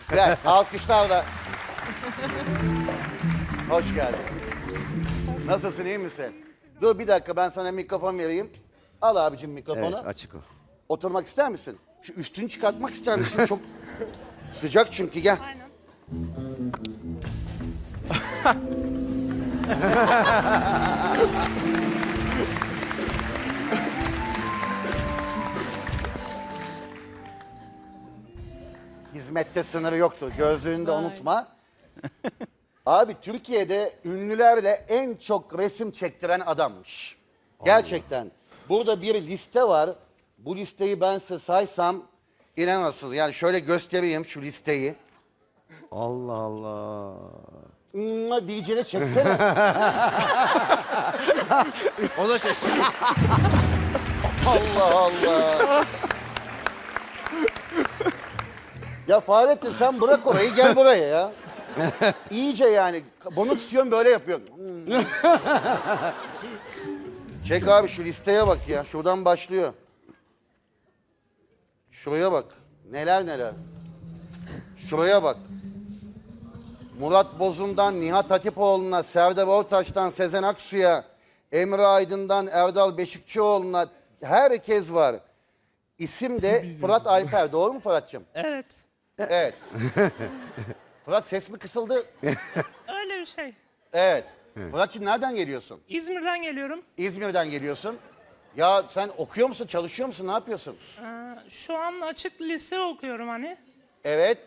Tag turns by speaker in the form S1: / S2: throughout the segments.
S1: Gel, alkışlarla. Hoş geldin. Nasılsın, iyi misin? Dur bir dakika, ben sana mikrofon vereyim. Al abicim mikrofonu.
S2: Evet, açık o.
S1: Oturmak ister misin? Şu üstünü çıkartmak ister misin? Çok sıcak çünkü, gel.
S3: Aynen.
S1: Hizmette sınırı yoktur. Gözlüğünü de unutma. Abi Türkiye'de ünlülerle en çok resim çektiren adammış. Gerçekten. Burada bir liste var. Bu listeyi ben size saysam inanamazsınız. Yani şöyle göstereyim şu listeyi.
S2: Allah Allah.
S1: DJ'de çeksene.
S4: O da şaşırdı.
S1: Allah Allah. Ya Fahrettin sen bırak orayı, gel buraya ya. İyice yani. Bunu tutuyorum, böyle yapıyorum. Çek abi, şu listeye bak ya. Şuradan başlıyor. Şuraya bak. Neler neler. Şuraya bak. Murat Bozum'dan Nihat Hatipoğlu'na, Serdar Ortaç'tan Sezen Aksu'ya, Emre Aydın'dan Erdal Beşikçioğlu'na herkes var. İsim de Fırat Alper. Doğru mu Fırat'cığım?
S3: Evet.
S1: Evet. Fırat, ses mi kısıldı?
S3: Öyle bir şey.
S1: Evet. Fırat'cığım nereden geliyorsun?
S3: İzmir'den geliyorum.
S1: İzmir'den geliyorsun. Ya sen okuyor musun, çalışıyor musun, ne yapıyorsun?
S3: Şu an açık lise okuyorum hani.
S1: Evet.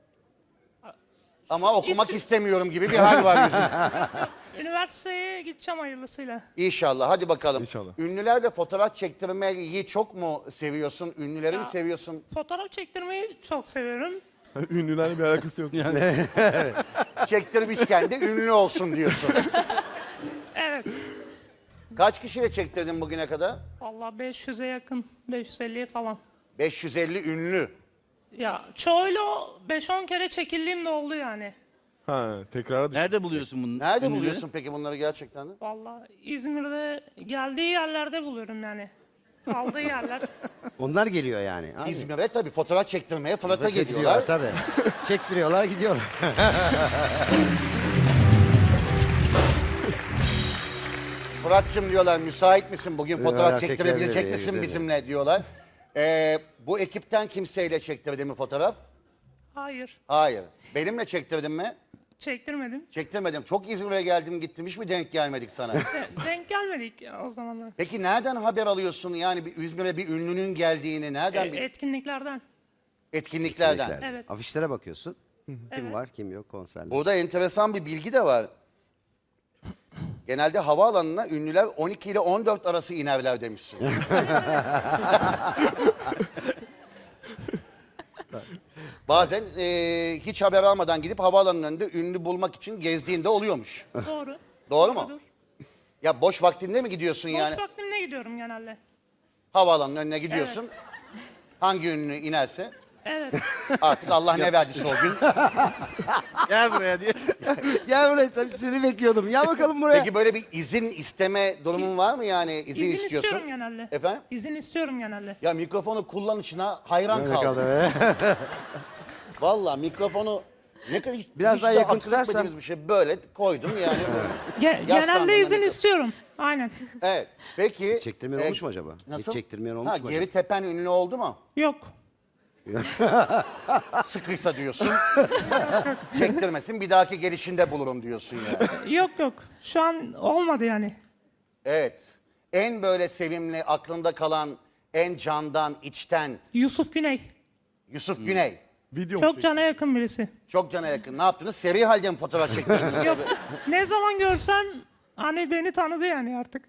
S1: Ama okumak
S3: İsim-
S1: istemiyorum gibi bir hal var yüzünde.
S3: Üniversiteye gideceğim hayırlısıyla.
S1: İnşallah, hadi bakalım.
S4: İnşallah.
S1: Ünlülerle fotoğraf çektirmeyi çok mu seviyorsun? Ünlüleri mi seviyorsun?
S3: Fotoğraf çektirmeyi çok seviyorum.
S4: Ünlülerle bir alakası yok yani.
S1: Çektirmişken de ünlü olsun diyorsun.
S3: Evet.
S1: Kaç kişiyle çektirdin bugüne kadar?
S3: Vallahi 500'e yakın. 550'ye falan.
S1: 550 ünlü.
S3: Ya çoğuyla 5-10 kere çekildiğim de oldu yani.
S4: Ha, tekrara düştü.
S5: Nerede buluyorsun bunu?
S1: Nerede
S5: ünlüleri?
S1: buluyorsun peki bunları gerçekten de?
S3: Vallahi İzmir'de geldiği yerlerde buluyorum yani. Kaldığı yerler.
S2: Onlar geliyor yani. Abi.
S1: İzmir'e tabii fotoğraf çektirmeye Fırat'a
S2: Gidiyorlar
S1: geliyorlar.
S2: tabii. Çektiriyorlar gidiyorlar.
S1: Fırat'cığım diyorlar, müsait misin? Bugün fotoğraf
S2: Evet,
S1: çektirebilecek
S2: çekelim,
S1: misin
S2: güzel.
S1: bizimle diyorlar. Bu ekipten kimseyle çektirdin mi fotoğraf?
S3: Hayır.
S1: Hayır. Benimle çektirdin mi?
S3: Çektirmedim.
S1: Çektirmedim. Çok İzmir'e geldim gittim, hiç mi denk gelmedik sana?
S3: Denk gelmedik ya o zamanlar.
S1: Peki nereden haber alıyorsun yani bir İzmir'e bir ünlünün geldiğini? Nereden?
S3: Etkinliklerden.
S1: Etkinliklerden.
S3: Evet.
S2: Afişlere bakıyorsun. Kim
S3: Evet.
S2: var kim yok konserler.
S1: Burada enteresan bir bilgi de var. Genelde havaalanına ünlüler 12 ile 14 arası inerler demişsin. Bazen hiç haber almadan gidip havaalanının önünde ünlü bulmak için gezdiğinde oluyormuş.
S3: Doğru.
S1: Doğru mu?
S3: Doğrudur.
S1: Ya boş vaktinde mi gidiyorsun yani?
S3: Boş vaktimde gidiyorum genelde.
S1: Havaalanının önüne gidiyorsun. Hangi ünlü inerse
S3: Evet.
S1: artık Allah ne verdiyse o gün.
S5: Gel buraya diye.
S2: Gel buraya seni bekliyordum. Gel bakalım buraya.
S1: Peki böyle bir izin isteme durumun var mı yani? İzin
S3: İzin
S1: istiyorsun.
S3: istiyorum genelde.
S1: Efendim?
S3: İzin istiyorum genelde.
S1: Ya mikrofonu kullanışına hayran
S2: Öyle
S1: kaldım.
S2: kaldı be.
S1: Vallahi mikrofonu ne kadar
S2: Biraz
S1: hiç
S2: daha
S1: de
S2: yakın
S1: akıl
S2: tutarsan.
S1: etmediğimiz bir şey böyle koydum yani.
S3: Genelde
S1: Yaslandığında
S3: izin
S1: ne-
S3: istiyorum. Aynen.
S1: Evet. Peki.
S2: Çektirmeyen olmuş mu acaba?
S1: Nasıl?
S2: Hiç çektirmeyen olmuş
S1: Ha,
S2: mu
S1: geri
S2: acaba?
S1: tepen ünlü oldu mu?
S3: Yok.
S1: Sıkıysa diyorsun. Çektirmesin, bir dahaki gelişinde bulurum diyorsun yani.
S3: Yok. Şu an olmadı yani.
S1: Evet. En böyle sevimli, aklında kalan, en candan, içten
S3: Yusuf Güney.
S1: Yusuf Güney.
S4: Video mu
S3: Çok
S4: çekti?
S3: cana yakın birisi.
S1: Çok cana yakın. Ne yaptınız? Seri halde mi fotoğraf çektirdiniz?
S3: Yok. Ne zaman görsem hani beni tanıdı yani artık.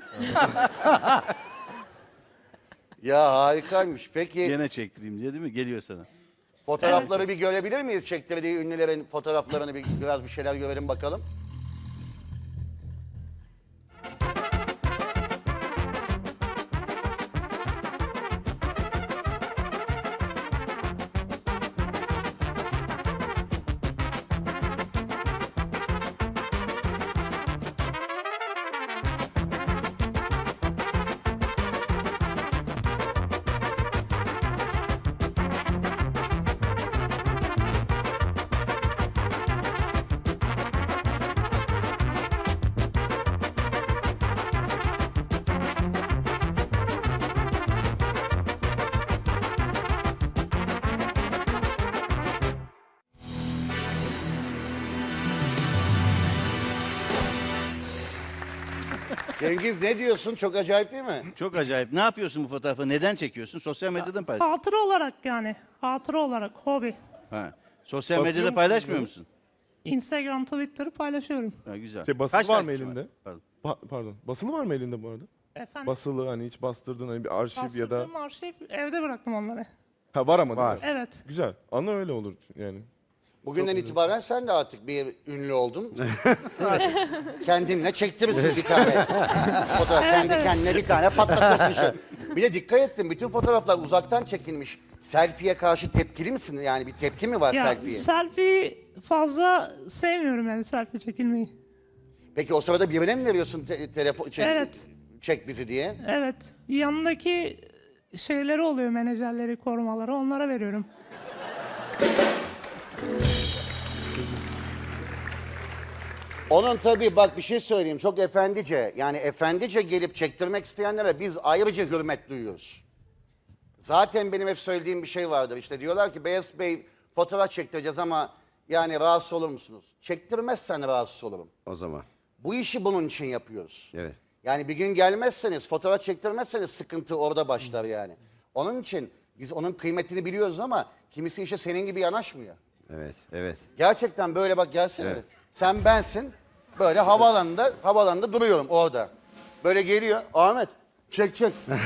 S1: Ya harikaymış. Peki
S5: Gene çektireyim diye değil mi? Geliyor sana.
S1: fotoğrafları bir görebilir miyiz? Çektirdiği ünlülerin fotoğraflarını biraz bir şeyler görelim bakalım. Cengiz ne diyorsun? Çok acayip değil mi?
S5: Çok acayip. Ne yapıyorsun bu fotoğrafı? Neden çekiyorsun? Sosyal medyada mı paylaşıyorsun?
S3: Hatıra olarak yani. Hatıra olarak, hobi.
S5: Ha. Sosyal
S4: Basıyor
S5: medyada
S4: musun
S5: paylaşmıyor
S4: bunu?
S5: musun?
S3: Instagram, Twitter'ı paylaşıyorum.
S5: Ha, güzel.
S4: Basılı
S5: Kaç
S4: var mı
S5: takipçi
S4: elinde?
S5: Pardon.
S4: Pardon. Basılı var mı elinde bu arada?
S3: Efendim,
S4: Basılı hani hiç bastırdın hani bir arşiv ya da...
S3: bastırdığım arşiv, evde bıraktım onları.
S4: Ha var ama.
S2: Var.
S4: değil mi?
S3: Evet.
S4: Güzel. Ana öyle olur yani.
S1: Bugünden itibaren sen de artık bir ünlü oldun. Kendinle çektirirsin bir tane fotoğraf.
S3: Evet,
S1: Kendi
S3: evet.
S1: kendine bir tane patlatırsın şöyle. Bir de dikkat ettim, bütün fotoğraflar uzaktan çekilmiş. Selfie'ye karşı tepkili misin? Yani bir tepki mi var
S3: Ya
S1: selfie'ye?
S3: selfie fazla sevmiyorum yani selfie çekilmeyi.
S1: Peki o sırada birine mi veriyorsun telefon
S3: Evet.
S1: çek bizi diye?
S3: Evet. Yanındaki şeyleri oluyor, menajerleri, korumaları, onlara veriyorum.
S1: Onun tabii bak bir şey söyleyeyim, çok efendice, yani efendice gelip çektirmek isteyenlere biz ayrıca hürmet duyuyoruz. Zaten benim hep söylediğim bir şey vardır, işte diyorlar ki Beyaz Bey fotoğraf çektireceğiz ama yani rahatsız olur musunuz? Çektirmezsen rahatsız olurum.
S2: O zaman.
S1: Bu işi bunun için yapıyoruz.
S2: Evet.
S1: Yani bir gün gelmezseniz, fotoğraf çektirmezseniz sıkıntı orada başlar yani. Onun için biz onun kıymetini biliyoruz ama kimisi işte senin gibi yanaşmıyor.
S2: Evet. Evet.
S1: Gerçekten böyle bak gelsene.
S2: Evet.
S1: Sen bensin. Böyle havaalanında duruyorum orada. Böyle geliyor. Ahmet çek.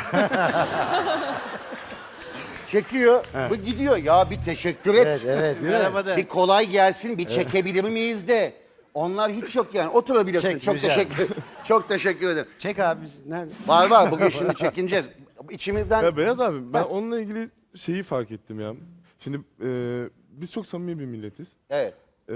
S1: Çekiyor. Bu gidiyor. Ya bir teşekkür et.
S2: Evet, evet, değil mi?
S5: Merhaba de.
S1: Bir kolay gelsin, bir çekebilir miyiz de. Onlar hiç yok yani. Oturabilirsin.
S2: Çek,
S1: çok
S2: rica
S1: çok teşekkür ederim.
S2: Çek abi biz nerede?
S1: Var bugün şimdi çekineceğiz. İçimizden
S4: Ya Beyaz abi ben onunla ilgili şeyi fark ettim ya. Şimdi biz çok samimi bir milletiz.
S1: evet.
S4: E,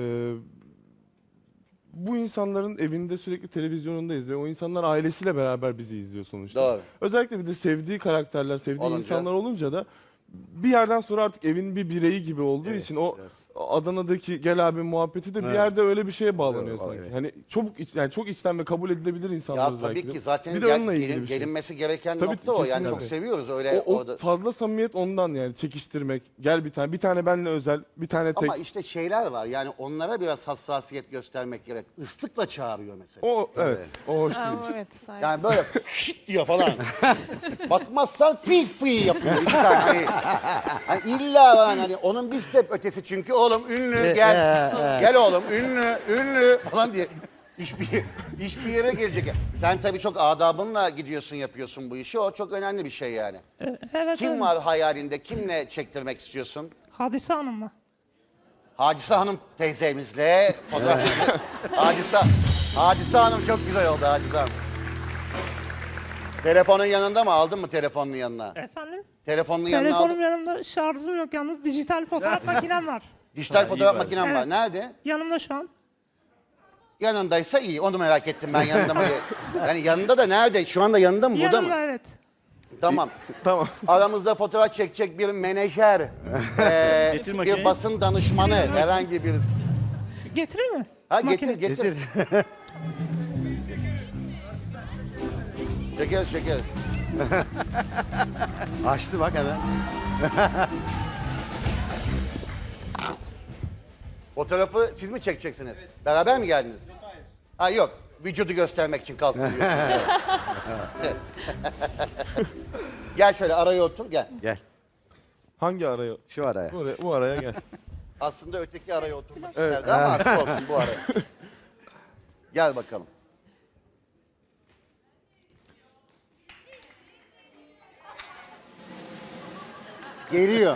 S4: bu insanların evinde sürekli televizyonundayız ve o insanlar ailesiyle beraber bizi izliyor sonuçta.
S1: Doğru.
S4: Özellikle bir de sevdiği karakterler, sevdiği
S1: Olunca.
S4: insanlar olunca da bir yerden sonra artık evin bir bireyi gibi olduğu için o
S2: biraz.
S4: Adana'daki gel abi muhabbeti de bir
S2: Evet.
S4: yerde öyle bir şeye bağlanıyor
S2: Evet,
S4: sanki.
S2: evet.
S4: Hani yani çok içten ve kabul edilebilir insanlar
S1: Ya
S4: belki
S1: tabii
S4: de.
S1: ki zaten
S4: bir de onunla ilgili bir şey.
S1: gelinmesi gereken
S4: Tabii,
S1: nokta o. Yani
S4: kesinlikle.
S1: çok seviyoruz öyle
S4: O
S1: orada.
S4: fazla samimiyet ondan yani çekiştirmek. Gel bir tane benle özel, bir tane tek.
S1: Ama işte şeyler var yani onlara biraz hassasiyet göstermek gerek. Islıkla çağırıyor mesela.
S4: O evet, o hoş değil.
S6: Evet, saygı.
S1: Yani böyle şit diyor falan. Bakmazsan fi fi yapıyor iki tane. Hani illa var hani onun bir step ötesi çünkü oğlum ünlü gel. Gel oğlum ünlü falan diye. Hiçbir yere gelecek. Sen tabii çok adabınla gidiyorsun yapıyorsun bu işi. O çok önemli bir şey yani.
S3: Evet.
S1: Kim
S3: evet.
S1: var hayalinde? Kimle çektirmek istiyorsun?
S3: Hadise Hanım'la.
S1: Hadise Hanım teyzemizle fotoğraf çekiyor. Hadise Hanım çok güzel oldu Hadise Hanım. Telefonun yanında mı? Aldın mı telefonun yanına?
S3: Efendim?
S1: Telefonun yanına
S3: Telefonum
S1: aldın.
S3: yanımda, şarjım yok yalnız. Dijital fotoğraf makinem var.
S1: Dijital fotoğraf
S5: iyi bari.
S1: makinem var.
S3: Evet.
S1: Nerede?
S3: Yanımda şu an.
S1: Yanındaysa iyi. Onu merak ettim ben yanında mı diye. Yani yanında da nerede? Şu anda yanında mı? Burada
S3: Yanımda
S1: mı?
S3: evet.
S1: Tamam.
S4: Tamam.
S1: Aramızda fotoğraf çekecek bir menajer,
S5: Getir
S1: bir
S5: makineyi.
S1: basın danışmanı, herhangi bir...
S3: Getireyim mi?
S1: Ha
S3: Makine.
S1: getir. Çekeriz.
S2: Açtı bak hemen.
S1: Fotoğrafı siz mi çekeceksiniz? Beraber mi geldiniz? Hayır. Ha yok. Vücudu göstermek için kalktınız. Evet. Gel şöyle araya otur gel.
S2: Gel.
S4: Hangi araya?
S2: Şu araya.
S4: Bu araya gel.
S1: Aslında öteki araya oturmak isterdi ama artık olsun bu araya. Gel bakalım. Geliyor.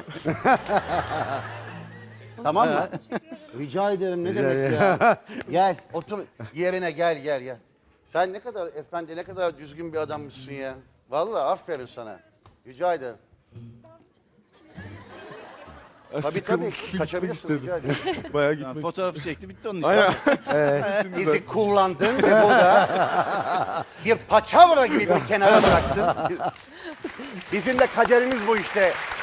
S1: Tamam mı? Rica ederim ne demek ya. Gel otur yerine gel. Sen ne kadar efendi ne kadar düzgün bir adammışsın ya. Vallahi aferin sana. Rica ederim. Tabii kaçabilirsin rica ederim.
S4: Bayağı
S5: Tamam,
S4: gitmek.
S5: fotoğrafı çekti bitti onun için.
S4: Aynen.
S1: Bizi kullandın ve burada bir paçavra gibi bir kenara bıraktın. Bizim de kaderimiz bu işte.